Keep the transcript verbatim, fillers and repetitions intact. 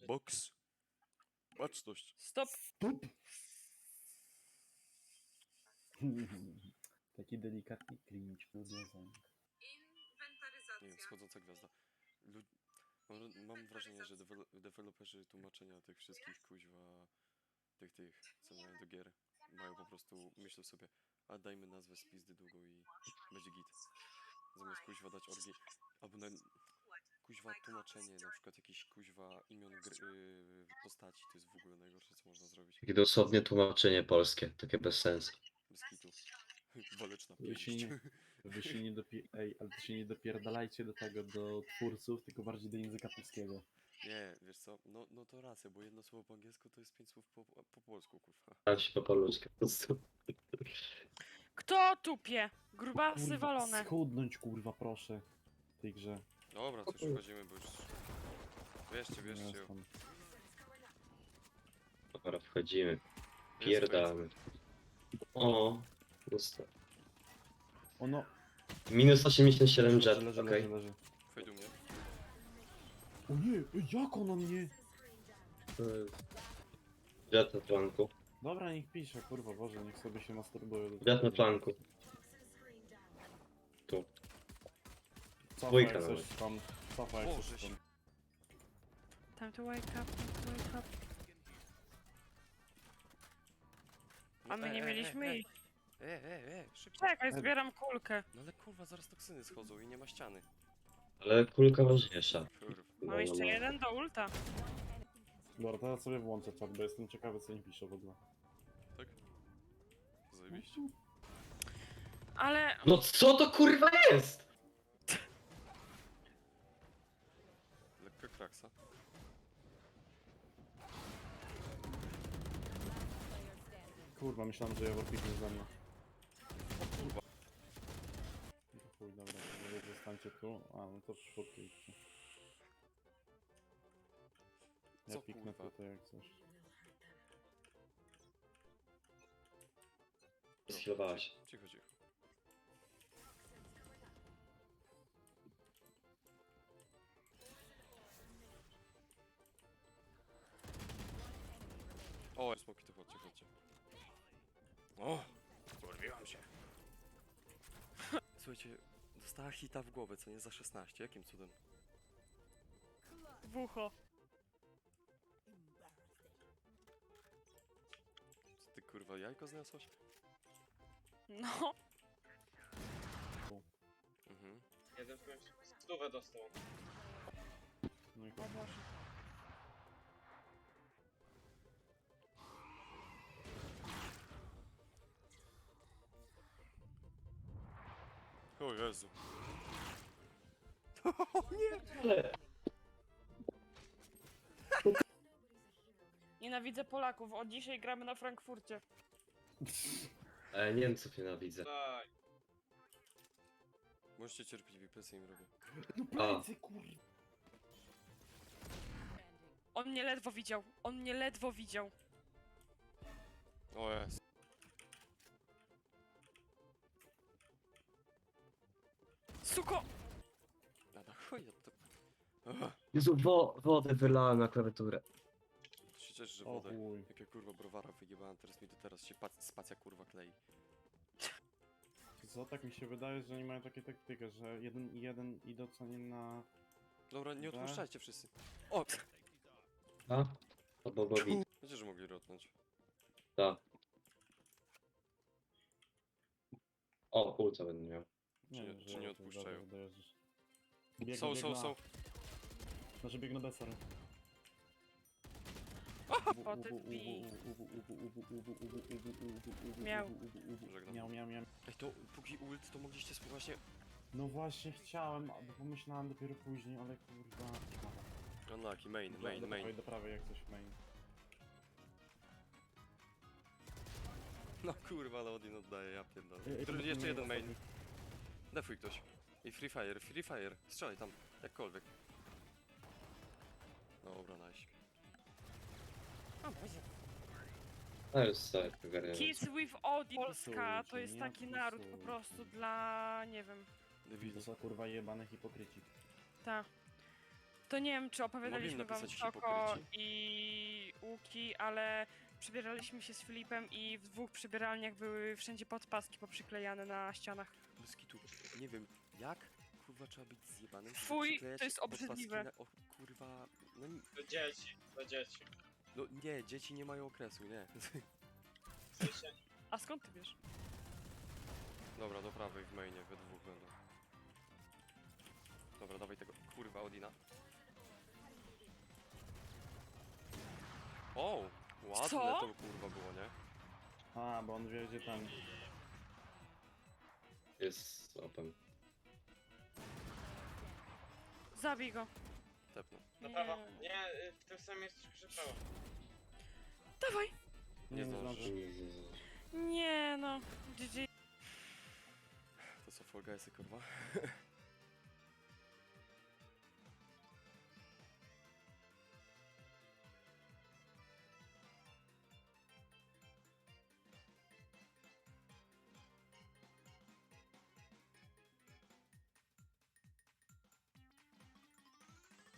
Box. Baczność. Stop. Stup! Taki delikatny cringe podwiązany. Nie wiem, schodząca gwiazda. Lud... Mam, mam wrażenie, że dewelo deweloperzy tłumaczenia tych wszystkich kuźwa, tych tych, co mają do gier, mają po prostu, myślą sobie, a dajmy nazwę z pizdy długą i będzie git. Zamiast kuźwa dać orgi, albo na kuźwa tłumaczenie, na przykład jakieś kuźwa imion gry, yy, postaci, to jest w ogóle najgorsze, co można zrobić. Takie dosłownie tłumaczenie polskie, takie bez sensu. Bez kitu. Waleczna Wy się pięść. nie, wy się nie dopi- Ej, ale to się nie dopierdalajcie do tego, do twórców, tylko bardziej do języka polskiego. Nie, wiesz co, no, no to racja, bo jedno słowo po angielsku to jest pięć słów po, po polsku, kurwa. A się po polsku po prostu. Kto tupie? Grubasy Kurwa, walone. schudnąć kurwa proszę w tej grze. Dobra, to już wchodzimy, bo już... Wierzcie, Nie wierzcie. jestem. Dobra, wchodzimy. Jest Pierdamy. O, pusto. Ono. Minus osiemdziesiąt siedem Leży, jet, leży, okej. leży, leży. Wejdź do mnie. O nie, ej, jak ona mnie? Jet na flanku. Dobra, niech pisze, kurwa, Boże, niech sobie się masturbuje. Jet na flanku. Tu. Cofa Dwójka jak coś nawet. tam, cofa jak Boże coś tam. Time to wake up, time to wake up. A my E, nie e, mieliśmy e, ich. E, e, e, szybko. Czekaj, zbieram kulkę. No ale kurwa, zaraz toksyny schodzą i nie ma ściany. Ale kulka ważniejsza. Kurwa. No, Mam jeszcze no, no. jeden do ulta. Dobra, teraz sobie włączę czat, bo jestem ciekawy, co nie pisze w ogóle. Tak? Zajebiście. Ale No co to kurwa jest? Lekka kraksa. Kurwa, myślałem, że ja piknie ze mną. Kurwa. No to chuj, dobra, to wy zostańcie tu. A, no to szybko idźcie. Ja Co piknę kurwa? tutaj jak coś. Schlowałaś. Cicho, cicho. O, smoki, to chodźcie, chodźcie. O! Porwiłam się. Słuchajcie, dostała hita w głowę, co nie za szesnaście. Jakim cudem? w ucho. Co ty kurwa, jajko zniosłaś? No. Mhm. Jeden w końcu stówę dostał. No i O kurwa. Boże. O Jezu. Nienawidzę Polaków. Od dzisiaj gramy na Frankfurcie. E, Niemców nienawidzę. Daj. Możecie cierpliwi, presję im robię. No A. plecy, kurwa. On mnie ledwo widział. On mnie ledwo widział. O jest. Suko! A na chuj ja to... Aha, Jezu, wo wodę wylałem na klawiaturę. to się cieszę, że O wodę. chuj. Jak ja kurwa browara wyjebałem, teraz mi to teraz się pac- spacja kurwa klei. Co, tak mi się wydaje, że oni mają takie taktykę, że jeden i jeden idą co nie na... Dobra, nie Dobra. odpuszczajcie wszyscy. O! A? Albo Bobby. Wiecie, że mogli rotnąć. Tak. O, kulca będę miał. Czy nie- wiem, czy że nie raczej odpuszczają? dobra, dojeżdżasz. Biegnę, Są, są, biegnę są. A. Znaczy biegnę B, sorry. Poty wbij. Miał. Żegnam. Miał, miał, miał. Ej, to póki ult, to mogliście spróbować właśnie... No właśnie chciałem, bo pomyślałem dopiero później, ale kurwa... Unlucky, main, Do- main, do prawej, main. do prawej jak coś main. No kurwa, no Odin oddaje, ja pierdolę. Ej, ej, Który- to Jeszcze nie jeden ostatni. main. Defuj ktoś. I Free Fire, Free Fire. Strzelaj tam, jakkolwiek. Dobra, nice. O Boże. To jest tak, ogarniam. Kids with Odin. Polska to Wkusujcie, jest nie taki naród po wkusujcie. prostu dla... nie wiem. Debili. To są kurwa jebane hipokryci. Ta. To nie wiem, czy opowiadaliśmy Mogli wam napisać Soko hipokryci? i Łuki, ale przebieraliśmy się z Filipem i w dwóch przebieralniach były wszędzie podpaski poprzyklejane na ścianach. Bez kitu. Nie wiem, jak kurwa trzeba być zjebanym, żeby Fuj, przyklejać to jest podpaski obrzydliwe. Na, o kurwa, no, ni- Do dzieci, do dzieci. no nie, dzieci nie mają okresu, nie. W sensie, A skąd ty wiesz? Dobra, do prawej w mainie, we dwóch będą. Dobra, dawaj tego kurwa Odina. O, ładne Co? to kurwa było, nie? A, bo on wie, gdzie tam. Jest open. Zabij go. Tepno. na Nie. prawo. Nie, y, w tym samym jest troszkę prawo. Dawaj! Nie zdążysz. Jezu. Nie no. G G. To co, Fall Guysy, kurwa?